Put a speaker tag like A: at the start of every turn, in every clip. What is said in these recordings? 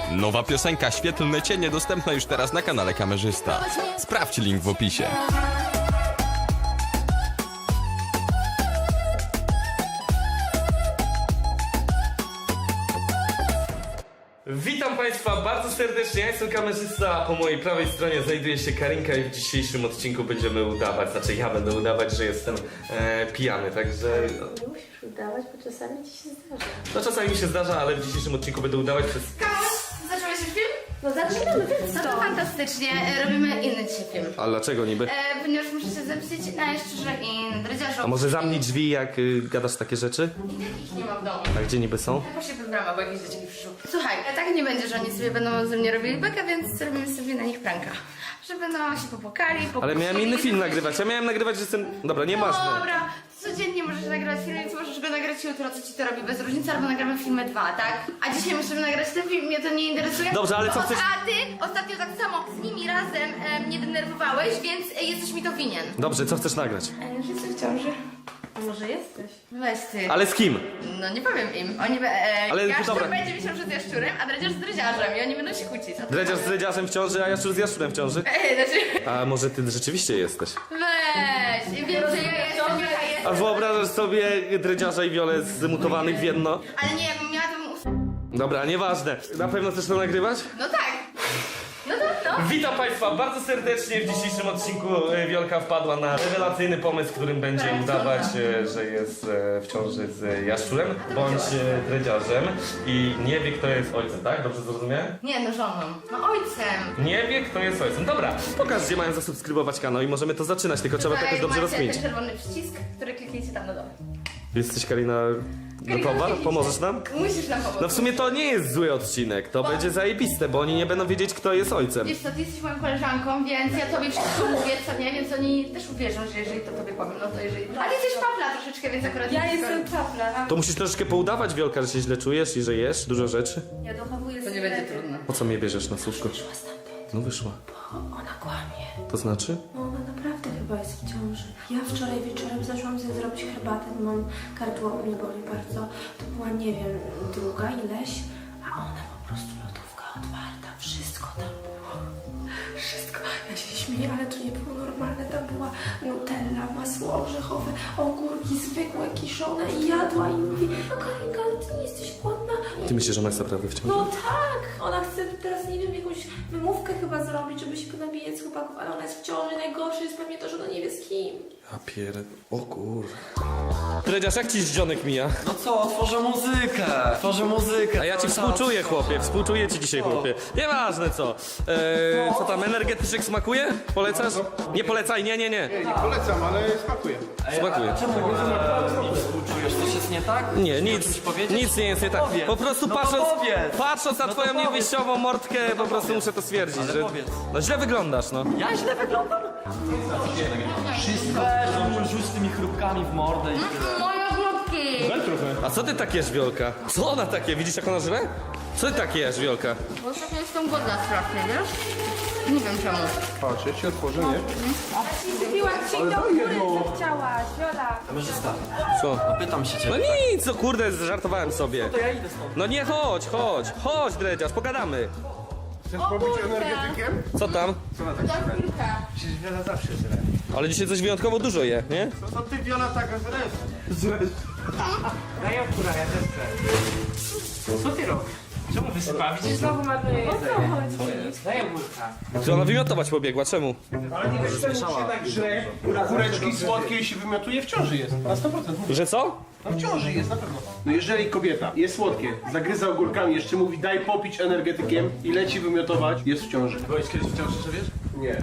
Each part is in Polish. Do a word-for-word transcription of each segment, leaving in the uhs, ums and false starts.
A: Nowa piosenka Świetlne Cienie dostępna już teraz na kanale Kamerzysta. Sprawdź link w opisie.
B: Witam Państwa bardzo serdecznie, ja jestem Kamerzysta, po mojej prawej stronie znajduje się Karinka i w dzisiejszym odcinku będziemy udawać, znaczy ja będę udawać, że jestem e, pijany, także...
C: Nie musisz udawać, bo czasami ci się zdarza.
B: No czasami mi się zdarza, ale w dzisiejszym odcinku będę udawać przez...
D: Zacząłeś już film?
C: No zaczynamy, więc
D: No to
C: co?
D: fantastycznie, e, robimy inny dzisiaj film.
B: A dlaczego niby?
D: E, ponieważ muszę się zemścić na jaszczurze i dredziarzu.
B: A może zamknij drzwi, jak y, gadasz takie rzeczy?
D: I takich nie ma w domu.
B: A gdzie niby są?
D: Tak właśnie pod bramę, bo jakieś dzieci przyszły. Słuchaj, e, tak nie będzie, że oni sobie będą ze mnie robili bekę, więc zrobimy sobie na nich pranka. Że będą się popłakali,
B: Ale miałem inny film nagrywać, ja miałem nagrywać, że jestem... Dobra, nieważne.
D: Dobra, codziennie możesz nagrywać film, więc możesz go nagrać jutro, co ci to robi bez różnicy, albo nagramy filmy dwa, tak? A dzisiaj musimy nagrać ten film, mnie to nie interesuje.
B: Dobrze, ale co
D: Bo-
B: chcesz-
D: A ty ostatnio tak samo z nimi razem e, mnie denerwowałeś, więc e, jesteś mi to winien.
B: Dobrze, co chcesz nagrać?
D: A już jestem w ciąży.
C: A może jesteś?
D: Weź ty.
B: Ale z kim?
D: No nie powiem im. Oni be, e,
B: Ale
D: jaszczur
B: dobra.
D: będzie wisiał przed jaszczurem, a dredziarz z dredziarzem i oni będą się kłócić. O to
B: Dredziarz z
D: chodzi.
B: dredziarzem w ciąży, a jaszczur z jaszczurem w ciąży?
D: Ej, znaczy...
B: A może ty rzeczywiście jesteś?
D: Weź, wiem, że ja jestem, jaka jestem.
B: A wyobrażasz sobie dredziarza i Wiolę zmutowanych w jedno?
D: Ale nie, jakbym miała to bym us...
B: Dobra, nieważne. Na pewno chcesz to nagrywać?
D: No tak. No to no.
B: Witam Państwa bardzo serdecznie. W dzisiejszym odcinku e, Wiolka wpadła na rewelacyjny pomysł, którym będzie
D: Tak,
B: udawać,
D: cudna.
B: e, że jest e, w ciąży z jaszczurem bądź e, dredziarzem i nie wie, kto jest ojcem, tak? Dobrze zrozumiałem?
D: Nie, no żoną. No ojcem.
B: Nie wie, kto jest ojcem. Dobra, pokaż, gdzie mają zasubskrybować kanał i możemy to zaczynać, tylko trzeba to jakoś dobrze
D: macie
B: rozkminić.
D: ten czerwony przycisk, który kliknijcie tam na dole.
B: Jesteś, Karina,
D: Karina,
B: gotowa?
D: widzicie?
B: Pomożesz nam?
D: Musisz nam pomóc.
B: No w sumie to nie jest zły odcinek, to będzie zajebiste, bo oni nie będą wiedzieć, kto jest ojcem.
D: Wiesz co, ty jesteś moją koleżanką, więc ja tobie wszystko mówię, co nie, więc oni też uwierzą, że jeżeli to tobie powiem, no to jeżeli... A ty jesteś papla troszeczkę, więc akurat...
C: Ja
D: nie
C: jestem papla.
B: To musisz troszeczkę poudawać, Wiolka, że się źle czujesz i że jesz dużo rzeczy.
C: Ja dochowuję
D: To nie będzie trudno.
B: Po co mnie bierzesz na słówko?
C: Wyszła stamtąd.
B: No wyszła.
C: O, ona kłamie.
B: To znaczy?
C: No ona naprawdę chyba jest w ciąży. Ja wczoraj wieczorem zaczęłam sobie zrobić herbatę, bo mam gardło mnie boli bardzo. To była, nie wiem, druga ileś, a ona po prostu lodówka otwarta. Wszystko tam było. Wszystko. Ja się śmieję, ale to nie było normalne. Tam była nutella, masło orzechowe, ogórki zwykłe, kiszone i jadła i mówi: no Karinka, ale ty nie jesteś głodna?
B: Ty myślisz, że ona jest naprawdę w ciąży?
C: No tak! Ona chce teraz, nie wiem, jakąś wymówkę chyba zrobić, żeby się ponabijać z chłopaków, ale ona jest w ciąży. Najgorsze jest pewnie to, że ona nie wie z kim.
B: Ja pierd... O kur... Dredziarz, jak ci zdzionek mija?
E: No co, tworzę muzykę, tworzę muzykę.
B: A ja ci
E: cały czas
B: współczuję,
E: tworzę.
B: chłopie, współczuję ci dzisiaj, chłopie. Nieważne co. Eee, co tam, energetyczek smakuje? Polecasz? Nie polecaj, nie, nie, nie.
F: Nie polecam, ale smakuje.
B: Smakuje.
E: Czemu mi współczujesz? Coś jest nie tak?
B: Nie,
E: Chcesz
B: nic,
E: o czymś powiedzieć?
B: nic nie jest nie tak.
E: Powiedz.
B: Po prostu
E: No to
B: patrząc,
E: powiedz.
B: patrząc na
E: No to
B: twoją
E: powiedz.
B: niewyjściową mordkę, po prostu muszę to stwierdzić,
E: Ale
B: że...
E: powiedz.
B: No źle wyglądasz, no.
E: Ja źle wyglądam? Wszystko. Weź, rzuć tymi chrupkami w mordę i tyle.
D: Moje ogródki!
B: A co ty tak jesz, Wiolka? Co ona takie? Widzisz, jak ona żre? Co ty tak jesz, Wiolka?
D: Bo ostatnio jestem głodna strasznie, wiesz? Nie wiem czemu.
F: Patrz, ja ci otworzę, nie?
C: Kupiłam ci do góry, co chciałaś, Viola.
E: Kamerzysta,
B: Co?
E: pytam się
B: No
E: ciebie.
B: nic, co kurde, żartowałem sobie.
E: To ja idę stąd.
B: No nie, chodź, chodź, chodź, dredziarz, pogadamy.
F: Chcesz pobyć energetykiem?
B: Co tam?
F: Co na tak się Przecież Wiola zawsze żre.
B: Ale dzisiaj coś wyjątkowo dużo je, nie?
F: No to ty Wiola taka zresztą.
G: Daj okura, ja też chcę. Co ty robisz? Czemu wysypałeś? Widzisz, znowu marnuję jedzenie. Daj ogórka.
B: Czy ona wymiotować pobiegła, czemu?
F: Ale nie wiesz, czemu się tak żre. Kureczki słodkie się wymiotuje, w ciąży jest. Na sto procent.
B: Że co?
F: No w ciąży jest, na pewno. No jeżeli kobieta jest słodkie, zagryza ogórkami, jeszcze mówi daj popić energetykiem i leci wymiotować, jest w ciąży. Byłeś kiedyś w ciąży, że wiesz? Nie.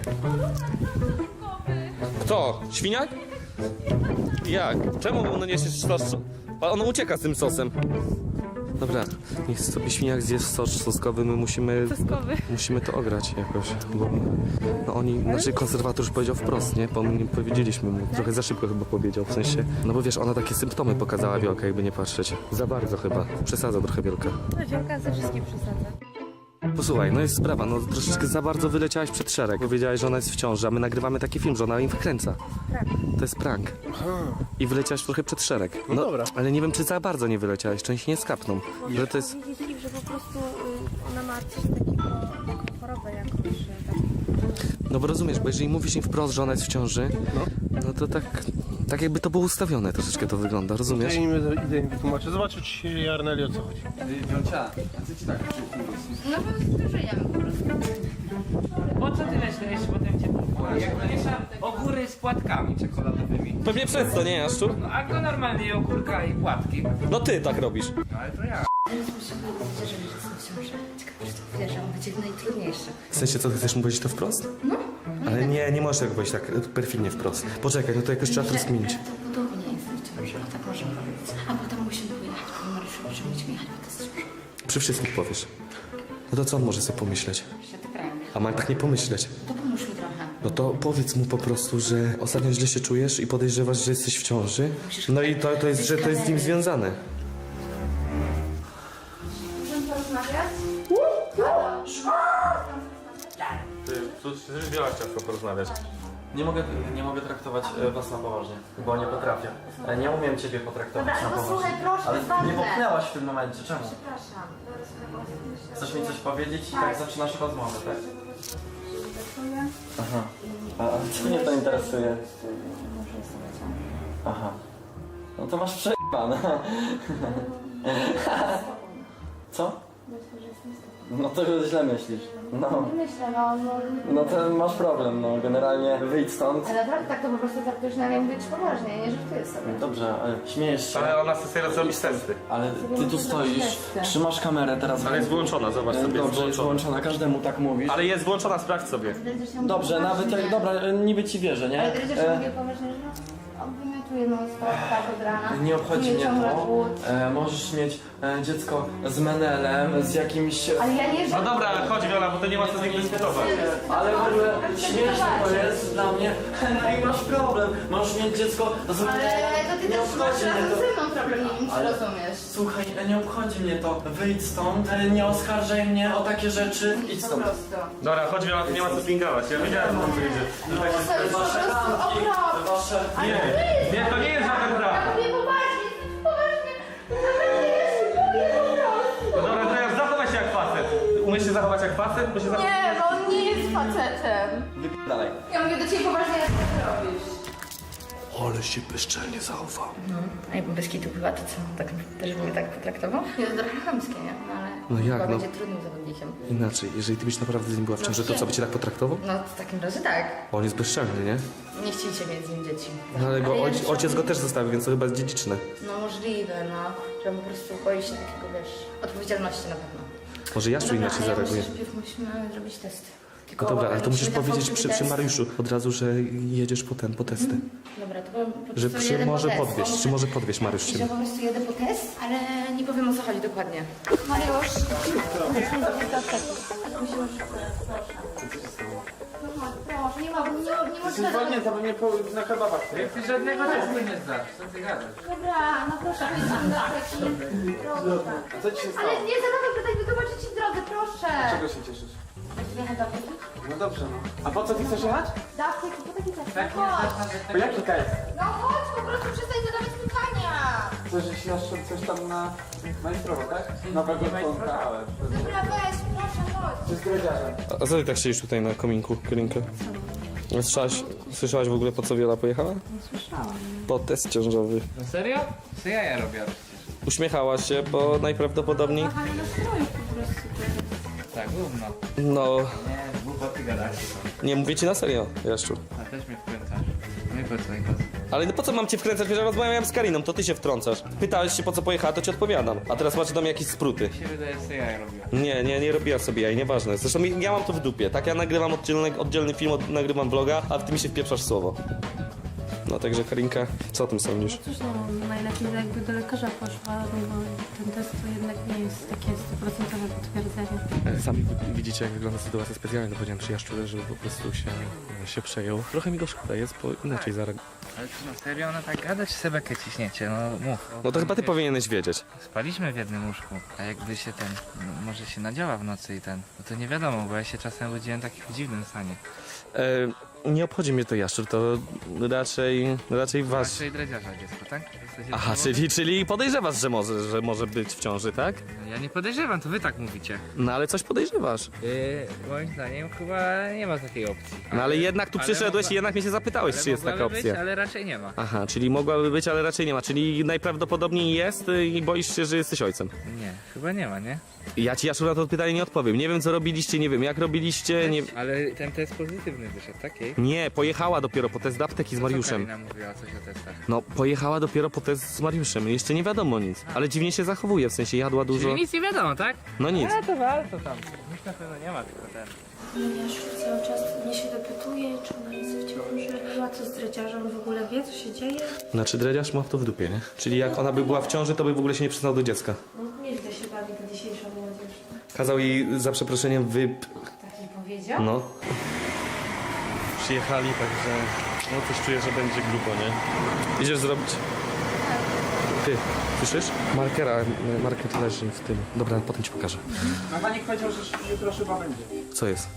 B: Kto? Świniak? Jak? Czemu no nie jesteś sos? A on ucieka z tym sosem. Dobra, niech sobie świniak zje sos soskowy, my musimy... Musimy to ograć jakoś, bo... No oni, znaczy konserwator już powiedział wprost, nie? Bo nie powiedzieliśmy mu, trochę za szybko chyba powiedział, w sensie... No bo wiesz, ona takie symptomy pokazała, Wiolka, jakby nie patrzeć. Za bardzo chyba, przesadza trochę Wiolka.
C: No Wiolka ze wszystkim przesadza.
B: Posłuchaj, no jest sprawa, no troszeczkę za bardzo wyleciałaś przed szereg. Powiedziałaś, że ona jest w ciąży, a my nagrywamy taki film, że ona im wkręca. To jest prank. I wyleciałaś trochę przed szereg. No
F: dobra.
B: Ale nie wiem, czy za bardzo nie wyleciałaś, część nie skapną. Że to jest...
C: Wiedzieli, że po prostu y, ona ma coś takiego, taką chorobę jakąś, że tak...
B: No bo rozumiesz, bo jeżeli mówisz im wprost, że ona jest w ciąży, no, no to tak, tak jakby to było ustawione troszeczkę to wygląda,
F: Ja
B: rozumiesz?
F: im idę im wytłumaczę. Zobaczę, czy się jarnęli, o co chodzi.
E: Wiolcia, a co ci tak?
D: No bo żyjemy po prostu.
G: Po co tyle śledzisz potem cię kupuje? Jak miesza ogóry z płatkami czekoladowymi.
B: Pewnie przez to, nie Jaszczu?
G: No a go normalnie ogórka i płatki.
B: No ty tak robisz.
G: Ale to ja.
D: Teraz muszę powiedzieć, że jestem w ciąży. Ciekawe, czy to wiesz, że on będzie najtrudniejszy.
B: W sensie, co ty chcesz mu powiedzieć to wprost? No. Ale nie, nie możesz tego powiedzieć tak perfidnie wprost. Poczekaj, no to jakoś trzeba to rozkminić.
D: Prawdopodobnie jestem w ciąży, o tak możemy powiedzieć. A potem musimy pojechać po Mariuszu, musimy musimy jechać po test ciąży.
B: Przy wszystkich powiesz. No to co on może sobie pomyśleć?
D: Jeszcze ty krajmy.
B: A ma tak nie pomyśleć.
D: To pomóż mi trochę.
B: No to powiedz mu po prostu, że ostatnio źle się czujesz i podejrzewasz, że jesteś w ciąży. No i to, to jest, że to jest z nim związane.
D: Możemy porozmawiać?
B: Ty, tu Wiola chciała porozmawiać.
E: Nie mogę, nie mogę traktować e, was na poważnie, bo nie potrafię. E, Nie umiem ciebie potraktować
D: Dobra,
E: na
D: no
E: poważnie.
D: słuchaj, proszę,
E: Ale
D: to jest
E: mnie
D: ważne.
E: popchnęłaś w tym momencie, czemu?
D: Przepraszam.
E: Chcesz mi coś powiedzieć i tak zaczynasz rozmowę, tak? Aha. A a co mnie to interesuje? Aha. No to masz przejebane. Co? No to źle myślisz. No.
D: Myślę, no, no...
E: No to masz problem, no generalnie wyjdź stąd.
D: Ale naprawdę tak to po prostu traktujesz na mnie być poważnie, nie żartuję sobie.
E: Dobrze, ale śmiejesz się.
B: Ale ona chce sobie zrobić testy.
E: Ale ty tu stoisz, trzymasz kamerę teraz.
B: Ale jest wyłączona, zobacz sobie, jest
E: Dobrze, jest
B: wyłączona.
E: włączona, każdemu tak mówisz.
B: Ale jest włączona, sprawdź sobie.
D: Będziesz się
E: Dobrze, nawet jak, dobra, e, niby ci wierzę, nie?
D: Ale będziesz
E: E,
D: mówił poważnie, że on wymiotuje non stop tak od rana.
E: Nie obchodzi mnie
D: ciągle
E: to.
D: głód.
E: E, możesz mieć e, dziecko z menelem, z jakimś...
D: Ale ja nie
B: No dobra, ale chodź Wiola, bo to nie ma co z nim dyskutować.
E: Ale w ogóle śmieszne to jest dla mnie. No i masz problem. Możesz mieć dziecko z
D: Ale to ty
E: Nie
D: też masz
E: obchodzi mnie
D: razem
E: to.
D: ze mną problem, nie wiem czy
E: Ale-
D: rozumiesz.
E: Słuchaj, e, nie obchodzi mnie to. Wyjdź stąd, e, nie oskarżaj mnie o takie rzeczy. Idź
D: Po
E: stąd.
D: prostu.
B: Dobra, chodź Wiola, tu nie ma co pingować. Ja wiedziałem, co tu idzie.
D: To jest po
E: Wasze
D: prostu
E: randki,
D: okropne.
E: wasze...
B: Nie, nie, to nie jest żaden
D: Ja
B: brak.
D: mówię poważnie, poważnie. Naprawdę ja się boję po prostu.
B: Dobra, teraz zachowaj się jak facet. Umiesz się zachować jak facet? Bo się zachować...
D: Nie, bo on nie jest facetem.
E: Dalej.
D: Ja mówię do ciebie poważnie, jak ty to robisz.
B: Ale się bezczelnie zachował.
D: A jakby bez kitu chyba, to co? Tak, też by mnie tak potraktował? Jest trochę chamskie, nie? No ale
B: No jak,
D: chyba
B: no?
D: będzie trudnym zawodnikiem.
B: Inaczej, jeżeli ty byś naprawdę z nim była w ciąży, to co, by cię tak potraktował?
D: No w takim razie tak.
B: On jest bezczelny, nie?
D: Nie chcieliście mieć z nim dzieci.
B: No ale bo
D: ja
B: ojciec,
D: też-
B: ojciec go też zostawił, więc to chyba jest dziedziczne.
D: No możliwe, no. Że on po prostu boi się takiego, wiesz, odpowiedzialności na pewno.
B: Może Jaszczu
D: Dobra,
B: inaczej
D: ale ja
B: zareaguje.
D: myślę, że najpierw musimy zrobić testy. Tylko
B: No dobra, ale to musisz
D: musimy na
B: powiedzieć
D: fałszywy
B: przy, przy
D: test.
B: Mariuszu od razu, że jedziesz po ten, po testy.
D: Dobra, to powiem po
B: Że
D: prostu
B: przy,
D: jedę po
B: może
D: test,
B: podwieźć,
D: bo
B: czy może podwieźć Mariusz
D: I
B: cię.
D: że po prostu jedę po test, ale nie powiem o co chodzi dokładnie. Mariusz, musimy zrobić do apteki. Musimy szybko, proszę. Proszę, nie ma, nie, nie możesz...
F: Zwolnięta, bo mnie po, na kebabach.
G: Jak ty żadnego testu nie zdasz, co ty gadasz?
D: Dobra, no proszę, pójdźmy do apteki. Proszę.
F: A co ci się stało?
D: Ale nie zadawaj pytań, wytłumaczę ci drogę, proszę.
F: Czego się cieszysz?
D: Jechać do apteki?
F: No dobrze, no. A po co ty chcesz jechać?
D: Do apteki, po taki test.
G: Tak
D: No
G: nie
D: chodź.
G: znasz, że
F: Po jaki test?
D: No chodź, po prostu przestań zadawać pytania.
F: Coś, że się nasz coś tam na majstrowo, tak? Nowego członka.
D: Dobra, weź, proszę, chodź.
F: Czy z dredziarzem?
B: A co ty tak siedzisz tutaj na kominku, Karinka? Słyszałaś, słyszałaś w ogóle po co Wiola pojechała?
C: Słyszałam.
B: Po test ciążowy.
G: No serio? Co ja ja robię?
B: Uśmiechała się, bo najprawdopodobniej...
C: Kochanie nastroju po prostu.
G: Tak, gówno.
B: No,
G: Nie, głupoty gadasz.
B: nie mówię ci na serio, Jaszczu.
G: A też mnie wkręcasz. No i po co, i po co?
B: Ale no po co mam cię wkręcać, wiesz, ja rozmawiałem z Kariną, to ty się wtrącasz. Pytałeś się po co pojechała, to ci odpowiadam. A teraz masz do mnie jakieś spruty.
G: Mi się wydaje, że ja robię.
B: Nie, nie, nie robiła sobie jaj, nieważne. Zresztą ja mam to w dupie, tak? Ja nagrywam oddzielny, oddzielny film, od, nagrywam vloga, a ty mi się wpieprzasz w słowo. No także Karinka, co o tym sądzisz?
C: Cóż, no najlepiej jakby do lekarza poszła, no bo ten test to jednak nie jest takie sto procent potwierdzenie.
B: Sami widzicie, jak wygląda sytuacja specjalna. Powiedziałem przyjaciół, żeby po prostu się, się przejął. Trochę mi go szkoda jest, bo inaczej zareagował.
G: Ale czy na serio ona tak gada, czy sobie bekę ciśniecie? No mów.
B: No to chyba ty powinieneś wiedzieć.
G: Spaliśmy w jednym łóżku, a jakby się ten, no, może się nadziała w nocy i ten, no to nie wiadomo, bo ja się czasem budziłem taki w dziwnym stanie.
B: E, nie obchodzi mnie to jaszczur, to raczej, raczej was...
G: Raczej dredziarza dziecko, tak? Jesteście
B: Aha,
G: w domu?
B: czyli, czyli podejrzewasz, że może, że może być w ciąży, tak?
G: Ja nie podejrzewam, to wy tak mówicie.
B: No ale coś podejrzewasz.
G: Yy, moim zdaniem chyba nie ma takiej opcji.
B: No ale jednak tu
G: ale
B: przyszedłeś
G: mogła-
B: i jednak mnie się zapytałeś,
G: ale
B: czy jest taka
G: mogłaby
B: opcja.
G: Być, ale raczej nie ma.
B: Aha, czyli mogłaby być, ale raczej nie ma. Czyli najprawdopodobniej jest y, i boisz się, że jesteś ojcem.
G: Nie, chyba nie ma, nie?
B: Ja ci, Jaszczur, na to pytanie nie odpowiem. Nie wiem, co robiliście, nie wiem, jak robiliście, nie...
G: Ale ten test pozytywny wyszedł, tak? Jej?
B: Nie, pojechała dopiero po test do apteki z Mariuszem.
G: Karina mówiła coś o testach.
B: No, pojechała dopiero po test z Mariuszem. Jeszcze nie wiadomo nic. Ale dziwnie się zachowuje, w sensie jadła dużo.
G: Czyli nic nie wiadomo, tak?
B: No nic.
G: A to warto tam. Nic na pewno nie ma, tylko ten.
C: Ale Jaszczur cały czas mnie się dopytuje, czy ona jest w ciąży. A co z dreciarzem, w ogóle wie, co się dzieje?
B: Znaczy, dredziarz ma to w dupie, nie? Czyli jak ona by była w ciąży, to by w ogóle się nie przyznał do dziecka.
C: No, nieźle się bawi ta dzisiejsza młodzież.
B: Kazał jej za przeproszeniem wyp...
C: Tak mi powiedział?
B: No. Przyjechali, także no coś czuję, że będzie grubo, nie? Idziesz zrobić? Ty, słyszysz? Markera, marker leży w tym. Dobra, potem ci pokażę.
F: Mechanik powiedział, że jutro chyba będzie.
B: Co jest?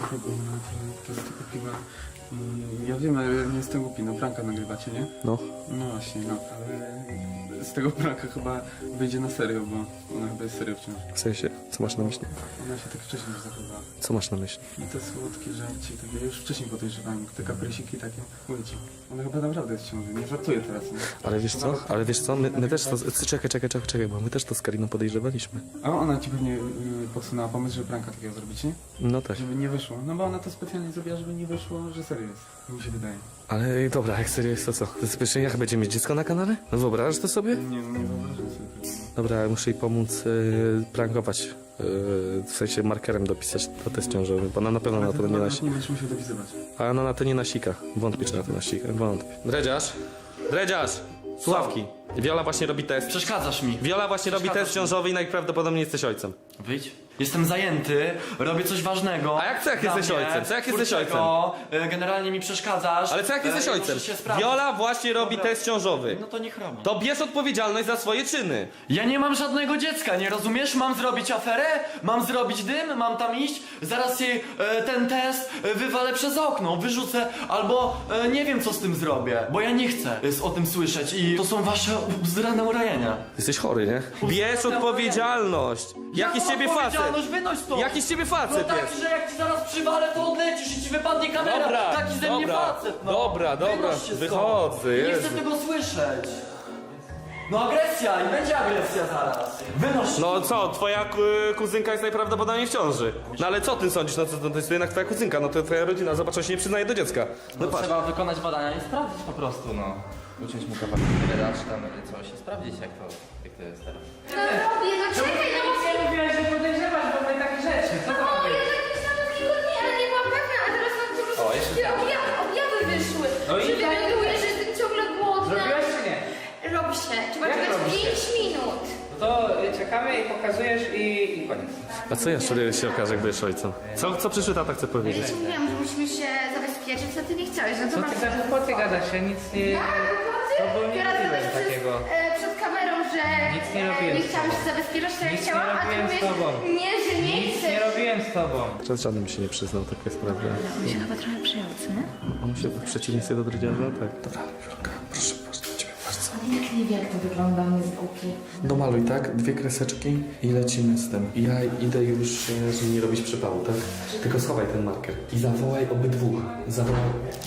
H: To jest tylko piwa. Mm, Ja wiem, ale nie jestem głupi, no pranka nagrywacie, nie?
B: No.
H: No właśnie, no, ale z tego pranka chyba wyjdzie na serio, bo ona chyba jest serio wciąż.
B: W sensie, co masz na myśli?
H: Ona się tak wcześniej już zachowała.
B: Co masz na myśli?
H: I te słodkie żarci, tak ja już wcześniej podejrzewałem, te kaprysiki takie, mówię ci. Ona chyba naprawdę jest w ciąży, nie żartuję teraz, nie?
B: Ale wiesz co? Ale wiesz co? My, my też to... Czekaj, czekaj, czekaj, czekaj, bo my też to z Kariną podejrzewaliśmy.
H: A ona ci pewnie y, podsunęła pomysł, żeby pranka takiego zrobić, nie?
B: No tak.
H: Żeby nie wyszło. No bo ona to specjalnie zrobiła, żeby nie wyszło, że serio jest. Mi się wydaje.
B: Ale dobra, jak serio jest to co? To jest jak będzie mieć dziecko na kanale? No wyobrażasz to sobie?
H: Nie, no nie wyobrażam sobie tego.
B: Dobra, muszę jej pomóc yy, prankować. Yy, w sensie markerem dopisać to test ciążowy, bo ona na pewno na
H: Ale
B: to
H: ty
B: nie
H: chyba
B: nasi.
H: nie będziesz musiał dopisywać.
B: A ona na to nie nasika. Wątpię, czy na to nasika. Wątpię. Dredziarz! Dredziarz! Słuchawki. Wiola właśnie robi test.
E: Przeszkadzasz mi.
B: Wiola właśnie robi
E: Przeszkadzasz
B: test
E: mi.
B: ciążowy i najprawdopodobniej jesteś ojcem.
E: Wyjdź. Jestem zajęty, robię coś ważnego.
B: A jak co, jak
E: dla
B: jesteś
E: mnie,
B: ojcem? Co, jak jesteś
E: twórczego, y, Generalnie mi przeszkadzasz.
B: Ale co jak
E: y,
B: jesteś
E: i
B: ojcem?
E: muszę się sprawdzić.
B: Wiola właśnie robi
E: Dobra.
B: test ciążowy.
E: No to niech robi.
B: To bierz odpowiedzialność za swoje czyny.
E: Ja nie mam żadnego dziecka, nie rozumiesz? Mam zrobić aferę, mam zrobić dym, mam tam iść, zaraz jej e, ten test e, wywalę przez okno, wyrzucę, albo e, nie wiem co z tym zrobię, bo ja nie chcę e, o tym słyszeć i to są wasze bzdurane urajenia.
B: Jesteś chory, nie? Bierz odpowiedzialność. Jaki z ciebie facet?
E: Odpowiedzialność, wynoś stąd!
B: Jaki z ciebie
E: No
B: facet
E: taki,
B: jest?
E: że jak ci zaraz przywalę, to odlecisz i ci wypadnie kamera.
B: Dobra,
E: taki ze mnie
B: dobra,
E: facet, no.
B: dobra, dobra,
E: Wynoś się stąd.
B: wychodzę,
E: Nie
B: Jezu.
E: chcę tego słyszeć. No agresja i będzie agresja zaraz. Wynoś się.
B: No co, twoja ku- kuzynka jest najprawdopodobniej w ciąży. No ale co ty sądzisz? No to, to jest jednak twoja kuzynka, no to twoja rodzina, zobacz, on się nie przyznaje do dziecka. No patrz.
I: Trzeba wykonać badania i sprawdzić po prostu, no. Uciąć mu kawałek wydać tam coś i sprawdzić jak to, jak to jest teraz.
D: No robię, no czekaj, no bo...
G: Nie mówiłaś, że podejrzewasz w ogóle takie rzeczy. Co to
D: O,
G: ma być?
D: ja tak myślałam takiego dnia, ale nie byłam pewna, a teraz mam po prostu
I: O, jeszcze
D: takie objawy, objawy wyszły.
G: No i
D: że
G: jak?
D: wywiaduję, że jestem ciągle głodna.
G: Zrobiłaś czy nie?
D: Robi się, trzeba
G: Jak
D: czekać
G: robi się?
D: pięć minut.
G: No to y, czekamy i pokazujesz i, i koniec.
B: A co jeszcze się okaże, jak będziesz ojcem? Co, co przyszły tata chce
D: Ja
B: powiedzieć?
D: ci mówiłam, że musimy się zabezpieczyć, co ty nie chciałeś, no to
G: Co
D: masz...
G: ty za głupoty gadasz? Ja nic nie...
D: Ja, głupoty?
G: To było nie
D: Teraz
G: robiłem
D: gadać przed,
G: takiego.
D: e, przed kamerą, że
G: Nic nie
D: e,
G: robiłem
D: nie
G: z
D: chciałam
G: tobą.
D: się zabezpieczać, tak jak
G: Nic nie
D: chciałam, a ty
G: robiłem z
D: mówisz,
G: tobą.
D: nie, że nie
G: Nic
D: chcesz.
G: nie robiłem z tobą.
B: Przed żadnym się nie przyznał, taka jest prawda.
D: On się chyba trochę przyjął, co nie?
B: On się w przeciwieństwie do dredziarza, tak. Dobra, Wiolka, proszę, proszę, do ciebie, patrz co.
J: Jak nie wie, jak to wygląda, on jest głupi.
B: Domaluj, tak? Dwie kreseczki i lecimy z tym. Ja idę już, e, żeby nie robić przypału, tak? Tylko schowaj ten marker. I zawołaj obydwu. Zawołaj.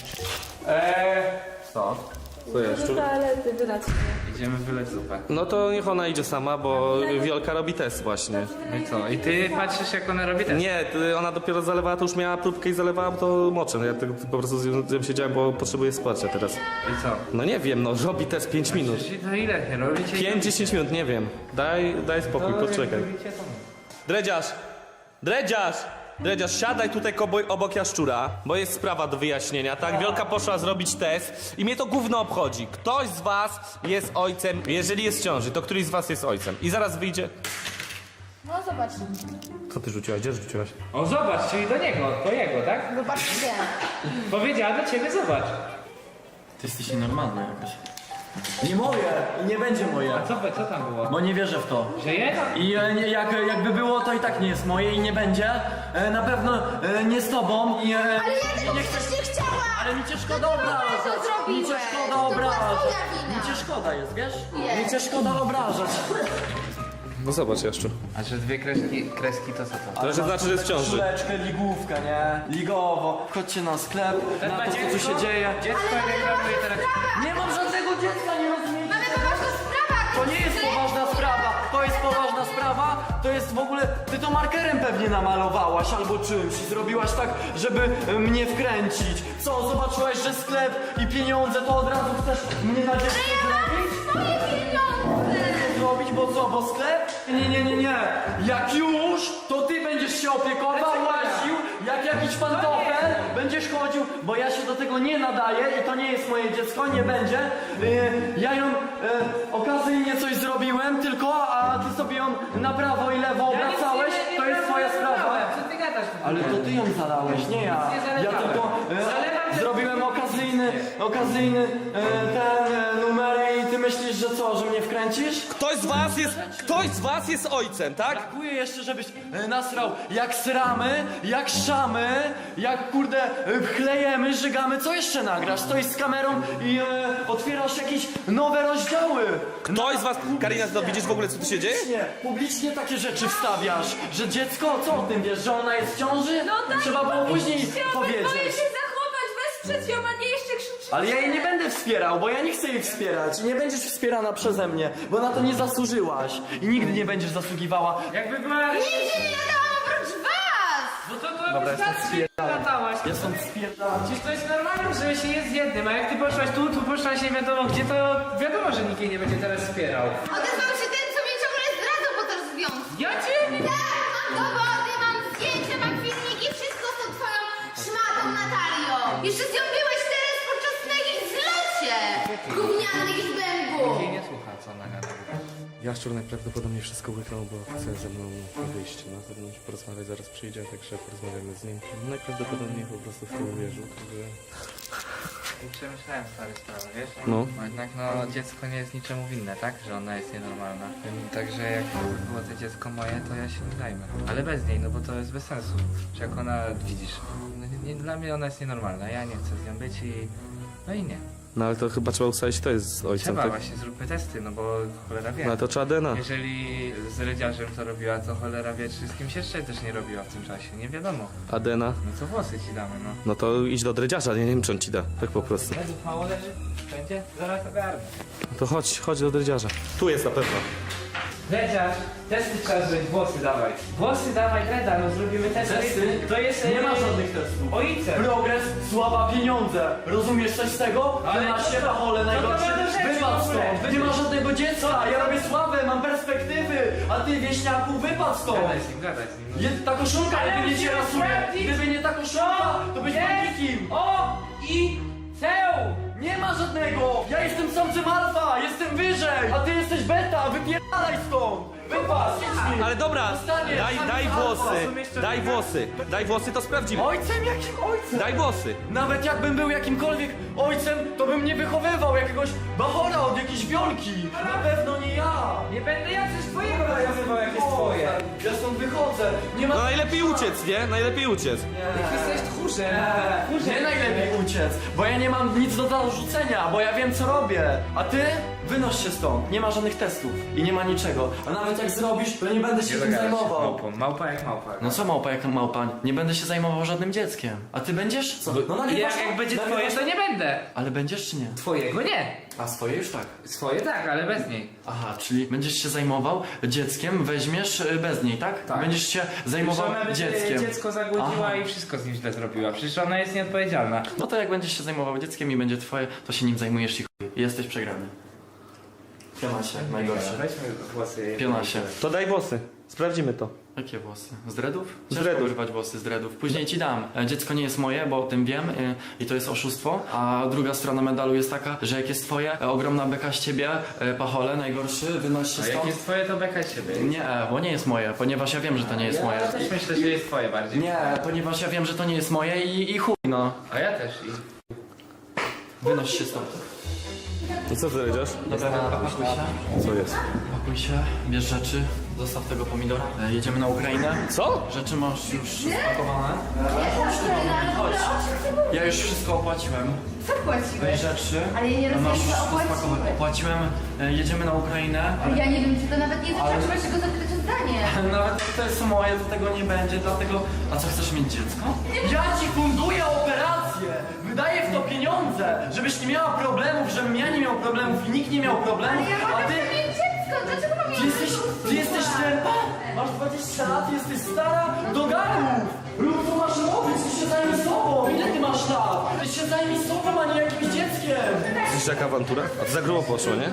G: Eee...
I: Co?
B: Co jest? Szczur?
C: Toalety, wylać się.
G: Idziemy wyleć zupę.
B: No to niech ona idzie sama, bo Wiolka robi test właśnie.
G: No i co? I ty patrzysz jak ona robi ten?
B: Nie, ty- ona dopiero zalewała, to już miała próbkę i zalewała, to moczem. Ja tak po prostu z nią siedziałem, bo potrzebuję wsparcia teraz.
G: I co?
B: No nie wiem, no robi test pięć minut.
G: Czyli to ile nie robicie?
B: pięć dziesięć minut, nie wiem. Daj, daj spokój, poczekaj. Dredziarz! Dredziarz! Dredziarz, siadaj tutaj kobo- obok jaszczura, bo jest sprawa do wyjaśnienia, tak? Wiolka poszła zrobić test i mnie to gówno obchodzi. Ktoś z was jest ojcem, jeżeli jest w ciąży, to któryś z was jest ojcem. I zaraz wyjdzie...
D: No zobacz.
B: Co ty rzuciłaś? Gdzie rzuciłaś?
G: O zobacz, czyli do niego, do jego, tak?
D: Zobaczcie.
G: Powiedziała do ciebie, zobacz.
E: Ty jesteś nienormalny jakoś. Nie moje i nie będzie moje.
G: A co, co tam było?
E: Bo nie wierzę w to.
G: Że jest?
E: I e, nie, jak, jakby było, to i tak nie jest moje i nie będzie. E, na pewno e, nie z tobą i... E,
D: Ale ja tego
E: nie
D: przecież nie chciałam!
E: Ale mi cię szkoda
D: To ty w ogóle
E: obrażać.
D: to zrobiłeś.
E: Mi cię szkoda
D: To była
E: obrażać.
D: twoja wina.
E: Mi cię szkoda jest, wiesz?
D: Jest.
E: Mi cię szkoda obrażać.
B: No zobacz, Jaszczur.
I: A że dwie kreski, kreski to co to?
B: To że znaczy, że jest w ciąży.
E: Koszuleczkę, ligówkę, nie? Ligowo. Chodźcie na sklep, na to, co tu się dzieje.
G: Dziecko nie gramuje teraz.
E: Nie mam żadnego dziecka, nie rozumiecie?
D: Mamy poważną sprawę!
E: To nie jest poważna sprawa, to jest poważna sprawa, to jest w ogóle, ty to markerem pewnie namalowałaś albo czymś i zrobiłaś tak, żeby e, mnie wkręcić. Co, zobaczyłaś, że sklep i pieniądze, to od razu chcesz mnie na dziecko zrobić?
D: Moje pieniądze!
E: Zrobić, bo co, bo sklep? Nie, nie, nie, nie. Jak już, to ty będziesz się opiekował, łaził, jak jakiś pantofel, będziesz chodził, bo ja się do tego nie nadaję i to nie jest moje dziecko, nie będzie. Yy, ja ją yy, okazyjnie coś zrobiłem tylko, a ty sobie ją na prawo i lewo obracałeś, to jest twoja sprawa.
G: Co ty gadasz?
E: Ale to ty ją zalałeś, nie ja. Ja tylko e, zrobiłem okazyjny, okazyjny e, ten e, numer i ty myślisz, że co, że mnie wkręcisz?
B: Ktoś z was jest, ktoś z was jest ojcem, tak?
E: Brakuje jeszcze, żebyś e, nasrał jak sramy, jak szamy, jak kurde e, chlejemy, żygamy. Co jeszcze nagrasz? Stoisz z kamerą i e, otwierasz jakieś nowe rozdziały.
B: Ktoś z was, Karina, to widzisz w ogóle, co tu się dzieje?
E: Publicznie, publicznie takie rzeczy wstawiasz, że dziecko, co o tym wiesz, że ona jest w ciąży?
D: No tak,
E: Trzeba było później powiedzieć.
D: Boję się zachować, wesprzeć ją, a nie jeszcze krzyczeć.
E: Ale ja jej nie będę wspierał, bo ja nie chcę jej wspierać. I nie będziesz wspierana przeze mnie, bo na to nie zasłużyłaś. I nigdy nie będziesz zasługiwała.
G: Jakby była...
D: Nigdzie nie nadałam oprócz was!
G: No to to wystarczy, że latałaś.
E: Ja stąd spierdalam.
G: Przecież to jest normalne, że się jest jednym, a jak ty poszłaś tu, tu poszłaś nie wiadomo gdzie, to wiadomo, że nikt jej nie będzie teraz wspierał.
D: Odezwał się ten, co mnie ciągle zdradzał po tym związku.
G: Ja cię nie...
D: Tak, mam dowody, mam zdjęcia, mam filmiki, wszystko z tą twoją szmatą Natalią. Jeszcze z nią byłeś teraz podczas na jakimś zlocie. Gówniany jakiś bębu.
I: Jej nie słucha, co ona gada.
B: Jaszczur najprawdopodobniej wszystko łyknął, bo chce ze mną wyjść na zewnątrz, porozmawiać, zaraz przyjdzie, także porozmawiamy z nim. Najprawdopodobniej po prostu w to uwierzył, także...
I: I przemyślałem stare sprawy, wiesz?
B: No.
I: Bo jednak no dziecko nie jest niczemu winne, tak? Że ona jest nienormalna. Także jak było to dziecko moje, to ja się nie zajmę. Ale bez niej, no bo to jest bez sensu. Że jak ona, widzisz, no, nie, nie, dla mnie ona jest nienormalna, ja nie chcę z nią być i... No i nie.
B: No ale to chyba trzeba ustalić, kto jest z ojcem,
I: Trzeba
B: tak?
I: właśnie, zróbmy testy, no bo cholera wie.
B: No ale to trzeba D N A.
I: Jeżeli z Rydziarzem to robiła, to cholera wie, czy z kimś jeszcze też nie robiła w tym czasie, nie wiadomo.
B: A D N A?
I: No to włosy ci damy, no.
B: No to idź do dredziarza, nie wiem czy on ci da, tak po prostu.
I: Medów mało leży? Będzie? Zaraz ogarnę.
B: No to chodź, chodź do dredziarza. Tu jest na pewno.
G: Dredziarz, testy trzeba zrobić, włosy dawaj. Włosy dawaj, Dreda, no zrobimy testy.
E: Testy?
G: To jest...
E: Nie ma
G: e,
E: żadnych testów.
G: Ojcem.
E: Progres, sława, pieniądze. Rozumiesz coś z tego?
G: Ale
E: Ale na
G: to-
E: się pachole
G: to
E: najgorsze.
G: ma do rzeczy
E: Wypad
G: w ogóle.
E: stąd. Nie ma żadnego dziecka. Ja robię sławę, mam perspektywy. A ty, wieśniaku, wypad stąd.
I: Gadaj z nim, gadaj z nim.
E: Je, ta koszulka,
G: Ale
E: gdyby nie cię
G: musimy
E: rasuje.
G: sprawdzić.
E: Gdyby nie ta koszulka, to byś
G: Jest.
E: bandikiem.
G: O! I... Ceł!
E: Nie ma żadnego! Ja jestem samcem alfa! Jestem wyżej! A ty jesteś beta! Wypierdalaj stąd! Wypad! idź mi.
B: Ale dobra,
E: Dostaniesz,
B: daj,
E: sam
B: daj
E: alfa.
B: włosy,
G: Są jeszcze
B: daj
G: drugie?
B: włosy, daj włosy, to sprawdzimy.
E: Ojcem? Jakim ojcem?
B: Daj włosy.
E: Nawet jakbym był jakimkolwiek ojcem, to bym nie wychowywał jakiegoś bachora od jakiejś wiolki! Na pewno nie ja!
G: Nie będę ja coś twojego nawiązywał, jak jest twoje.
E: Ja stąd wychodzę! Nie ma...
B: No najlepiej uciec, nie? Najlepiej uciec.
G: Jak jesteś tchórzem.
E: Nie
G: Tchórzem.
E: najlepiej uciec, bo ja nie mam nic do zarzucenia, bo ja wiem co robię. A ty? Wynoś się stąd. Nie ma żadnych testów i nie ma niczego. A nawet jak zrobisz, to nie będę się tym zajmował.
I: Małpą. Małpa jak małpa.
E: No co małpa jak małpa? Nie będę się zajmował żadnym dzieckiem. A ty będziesz? Co? No
G: I jak, jak będzie twoje, to nie będę.
E: Ale będziesz czy nie?
G: Twojego nie.
E: A swoje już tak.
G: Swoje tak, ale bez niej.
E: Aha, czyli będziesz się zajmował dzieckiem, weźmiesz y, bez niej, tak?
G: Tak.
E: Będziesz się zajmował
G: Przecież ona by
E: dzieckiem.
G: dziecko zagłodziła
E: Aha.
G: i wszystko z nim źle zrobiła. Przecież ona jest nieodpowiedzialna.
E: No to jak będziesz się zajmował dzieckiem i będzie twoje, to się nim zajmujesz i chuj. I jesteś przegrany. Pionasie, najgorsze.
G: Weźmy włosy.
E: Pionasie.
B: To daj włosy, sprawdzimy to.
E: Jakie włosy? Z dreadów?
B: Z
E: Ciężko
B: dreadów.
E: używać włosy z dreadów. Później ci dam. E, Dziecko nie jest moje, bo o tym wiem e, i to jest oszustwo. A druga strona medalu jest taka, że jak jest twoje, e, ogromna beka z ciebie, e, pachole, najgorszy, wynoś się
G: A jak
E: stąd.
G: jest twoje, to beka siebie.
E: Nie, bo nie jest moje, ponieważ ja wiem, że to nie jest moje.
G: Ja też myślę, że jest twoje bardziej.
E: Nie, ponieważ ja wiem, że to nie jest moje i, i chuj, no.
G: A ja też. I...
E: Wynoś się stąd.
B: No co ty jedziesz?
E: Dobra, pakuj się.
B: Co jest?
E: Pakuj się, bierz rzeczy, zostaw tego pomidora. E, jedziemy na Ukrainę.
B: Co?
E: Rzeczy masz już spakowane. Chodź tu do mnie, chodź. Ja już wszystko opłaciłem.
D: Co płaciłeś?
E: Weź rzeczy.
D: Ale ja nie rozumiem,
E: masz
D: co
E: wszystko
D: opłaciłeś.
E: spakowane. Opłaciłem, e, jedziemy na Ukrainę.
D: Ale ja nie wiem, czy to nawet nie zaczęłaś go zapytać o zdanie.
E: Nawet jak to jest moje, to tego nie będzie, dlatego... A co, chcesz mieć dziecko? Ja ci funduję operację! Wydaję w to pieniądze! Żebyś nie miała problemów, żebym ja nie miał problemów i nikt nie miał problemów,
D: Ale ja
E: a
D: mogę
E: ty...
D: mieć dziecko, dlaczego mam
E: Ty jesteś, ty jesteś ślepa? Masz dwadzieścia lat, jesteś stara? Do garnków! Rób co masz robić, ty się zajmij sobą! Ile ty masz lat? Ty się zajmij sobą, a nie jakimś dzieckiem!
B: Słyszysz jaka awantura? A to za grubo poszło, nie?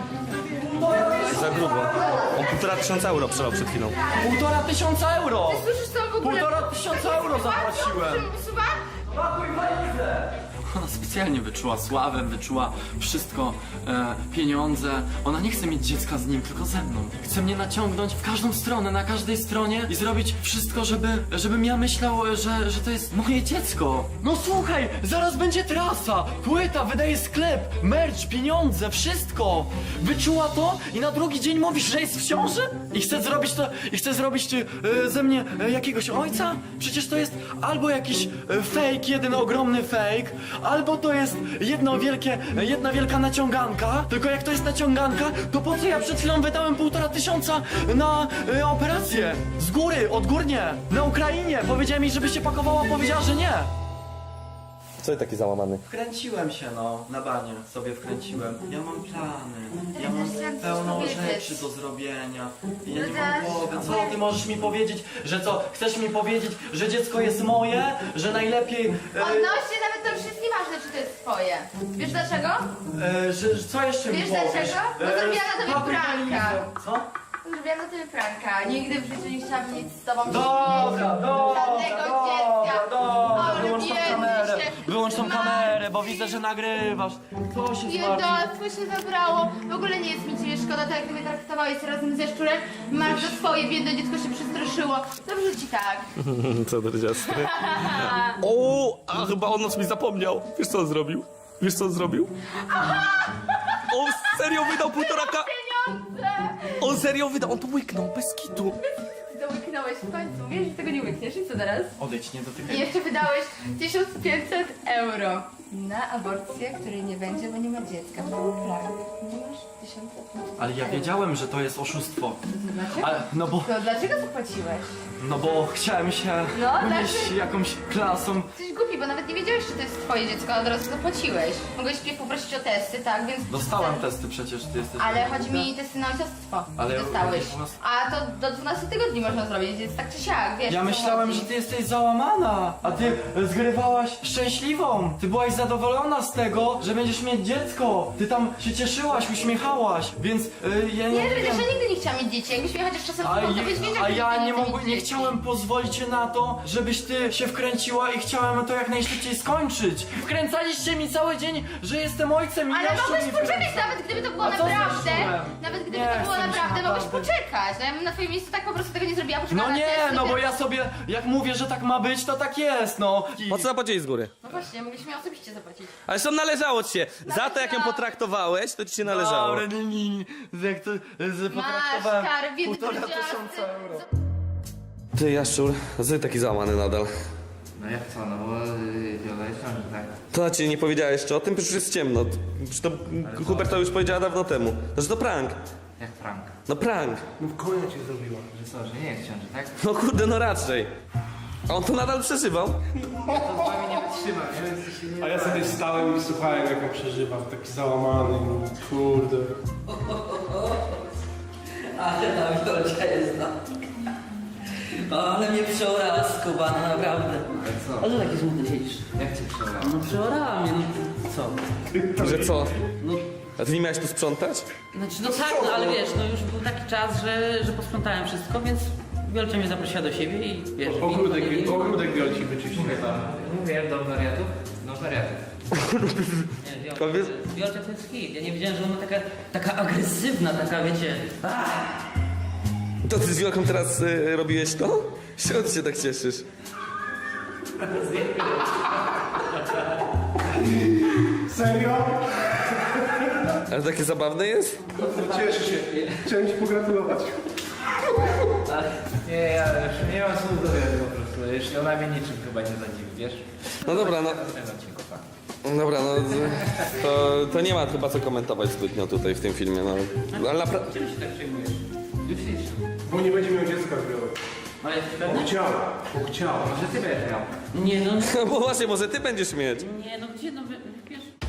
B: Za grubo. On półtora tysiąca euro przelał przed chwilą.
E: Półtora tysiąca euro!
D: Słyszysz co w ogóle?
E: Półtora tysiąca euro zapłaciłem!
D: Usuwa?
E: Pakuj walizę! Ona specjalnie wyczuła sławę, wyczuła wszystko, e, pieniądze. Ona nie chce mieć dziecka z nim, tylko ze mną. Chce mnie naciągnąć w każdą stronę, na każdej stronie i zrobić wszystko, żeby, żebym ja myślał, że, że to jest moje dziecko. No słuchaj, zaraz będzie trasa, płyta, wydaje sklep, merch, pieniądze, wszystko. Wyczuła to i na drugi dzień mówisz, że jest w ciąży? I chce zrobić to, i chce zrobić e, ze mnie e, jakiegoś ojca? Przecież to jest albo jakiś e, fake, jeden ogromny fake, albo to jest jedno wielkie, jedna wielka naciąganka. Tylko jak to jest naciąganka, to po co ja przed chwilą wydałem półtora tysiąca na e, operację? Z góry, odgórnie, na Ukrainie. Powiedziała mi, żeby się pakowała, powiedziała, że nie.
B: Co ty taki załamany?
E: Wkręciłem się, no, na banie sobie wkręciłem. Ja mam plany, ja mam
D: też chciałam coś
E: pełno
D: powiedzieć.
E: rzeczy do zrobienia. Ja nie
D: No
E: mam
D: też,
E: głowy.
D: no
E: Co
D: bo-
E: ty możesz mi powiedzieć, że co? Chcesz mi powiedzieć, że dziecko jest moje? Że najlepiej... E,
D: Odnośnie nawet to już jest nieważne, czy to jest twoje. Wiesz dlaczego?
E: e, że, że co jeszcze
D: Wiesz
E: mi powiesz?
D: dlaczego? Bo zrobiłam na tobie
E: spakuj
D: pranka.
E: walizę. Co?
D: Zrobiłam na tyle pranka. Nigdy w życiu nie chciałam nic z tobą
E: Dobra, dobra,
D: Żadnego
E: dobra,
D: dziecka.
E: dobra,
D: Ale
E: wyłącz tą
D: biedny
E: kamerę,
D: się.
E: wyłącz tą
D: Matko.
E: kamerę, bo widzę, że nagrywasz. Co się zmartwił?
D: Biedactwo się zabrało. W ogóle nie jest mi ciebie szkoda, tak jak mnie traktowałeś razem ze szczurem. Masz to swoje, biedne dziecko się przestraszyło. Dobrze ci tak.
B: Co ty dziastry? O, a chyba on nas mi zapomniał. Wiesz co on zrobił? Wiesz co on zrobił? On serio wydał półtora ka...
D: Pieniądze!
B: On serio wydał, on to łyknął, bez kitu.
D: Dołyknąłeś w końcu. Wiesz, że tego nie łykniesz i co teraz?
E: Odejdź, nie dotykaj.
D: I jeszcze wydałeś tysiąc pięćset euro na aborcję, której nie będzie, bo nie ma dziecka. Był prank. Nie masz tysiąc pięćset.
E: Ale ja wiedziałem, że to jest oszustwo.
D: Dlaczego?
E: Ale, no bo,
D: To dlaczego zapłaciłeś?
E: no bo chciałem się
D: No,
E: unieść
D: dlaczego?
E: jakąś klasą.
D: Jesteś głupi, bo nawet nie wiedziałeś, czy to jest twoje dziecko, a od razu zapłaciłeś. Mogłeś mnie poprosić o testy, tak, więc...
E: Dostałem testy przecież, ty jesteś...
D: Ale chodzi mi testy na ojcostwo.
E: Ale
D: Dostałeś.
E: u nas-
D: A to do dwunastu tygodni można zrobić, więc tak czy siak, wiesz.
E: Ja
D: o co
E: myślałem,
D: chodzi.
E: że ty jesteś załamana, a ty zgrywałaś szczęśliwą. Ty byłaś zadowolona z tego, że będziesz mieć dziecko. Ty tam się cieszyłaś, uśmiechałaś, więc y, ja nie,
D: Nie,
E: wiem.
D: przecież ja nigdy nie chciałam mieć dzieci. Jakbyś mnie chociaż czasem
E: A,
D: słuchał, to
E: ja-
D: byś wiedział,
E: a
D: że
E: ja
D: nigdy
E: nie
D: chcę
E: mogłem,
D: mieć
E: nie
D: dzieci.
E: chciałem pozwolić na to, żebyś ty się wkręciła i chciałem to jak najszybciej skończyć. Wkręcaliście mi cały dzień, że jestem ojcem i
D: Ale
E: ja się
D: mogłeś
E: nie
D: poczekać,
E: wkręcam.
D: nawet gdyby to było
E: A co
D: naprawdę.
E: zniszczyłem?
D: Nawet gdyby
E: Nie,
D: to było
E: chcę mi się
D: naprawdę, mogłeś
E: naprawdę.
D: poczekać. No ja bym na twoim miejscu tak po prostu tego nie zrobiła. Poczekała
E: No
D: na
E: nie,
D: testy,
E: no bo
D: wiesz.
E: ja sobie, jak mówię, że tak ma być, to tak jest, no.
B: Po co zapłaciłeś z góry?
D: No właśnie, mogliśmy ją osobiście zapłacić.
B: Ale co należało ci się? Za to jak ją potraktowałeś, to ci się należało.
E: Dobra, nie, nie, nie. Jak to, że
D: Masz
E: potraktowałem
D: karę, biedny
E: półtora
D: powiedziałam,
E: tysiąca
D: ty-
E: euro.
B: Ty, Jaszczur, a co ty taki załamany nadal?
I: No jak co, no bo yy, Wiola jest ciąży, tak?
B: To na ciebie nie powiedziała jeszcze o tym, przecież już jest ciemno. Przecież to Hubert to już powiedziała dawno temu. No, że to prank.
I: Jak Frank.
B: No prank.
F: No w konia cię zrobiła.
I: Że co, że nie jest w ciąży, tak?
B: No kurde, no raczej. A on to nadal przeżywał.
I: To z wami nie wytrzymam, nie? Więc to się nie...
F: A ja sobie stałem i słuchałem, jak ją przeżywam, taki załamany, kurde.
K: Ale ta Wiolcia jest na... Ale mnie przeorała skubana, naprawdę.
I: Ale co?
K: A że taki smutny siedzisz?
I: Jak cię przebrał?
K: No przeorała mnie, no co?
B: Że co?
K: No,
B: A ty nie miałeś tu sprzątać?
K: znaczy, no tak, no ale wiesz, no już był taki czas, że, że posprzątałem wszystko, więc Wiolcia mnie zaprosiła do siebie i wiesz...
F: Ogródek,
K: i- i-
F: ogródek Wiolci wyczyścił.
I: Mówię do wariatów? Do wariatów.
K: Nie, Wiolcia,
B: Powiedz-
K: Wiolcia to jest hit. Ja nie wiedziałem, że ona taka, taka agresywna, taka wiecie...
B: To ty z Wielką teraz y, robiłeś to? Czego ty się tak cieszysz?
F: Serio?
B: Ale takie zabawne jest?
F: Cieszę się. Chciałem ci pogratulować.
G: Nie, ja już nie mam słów do wiary po prostu. Już ona mnie niczym chyba nie zadziwi, wiesz?
B: No dobra, no.
G: W tym odcinku, tak.
B: Dobra, no to, to nie ma chyba co komentować zbytnio tutaj w tym filmie, no. Ale naprawdę...
K: Czym się tak przejmujesz? Już idź.
F: Bo nie będzie miał dziecka zdrowego.
K: Ale jesteś pewny?
F: Chciała, bo chciała.
G: Może ty będziesz miał.
K: Nie no,
B: Bo właśnie, może ty będziesz mieć.
K: nie no, gdzie no, wy- wiesz...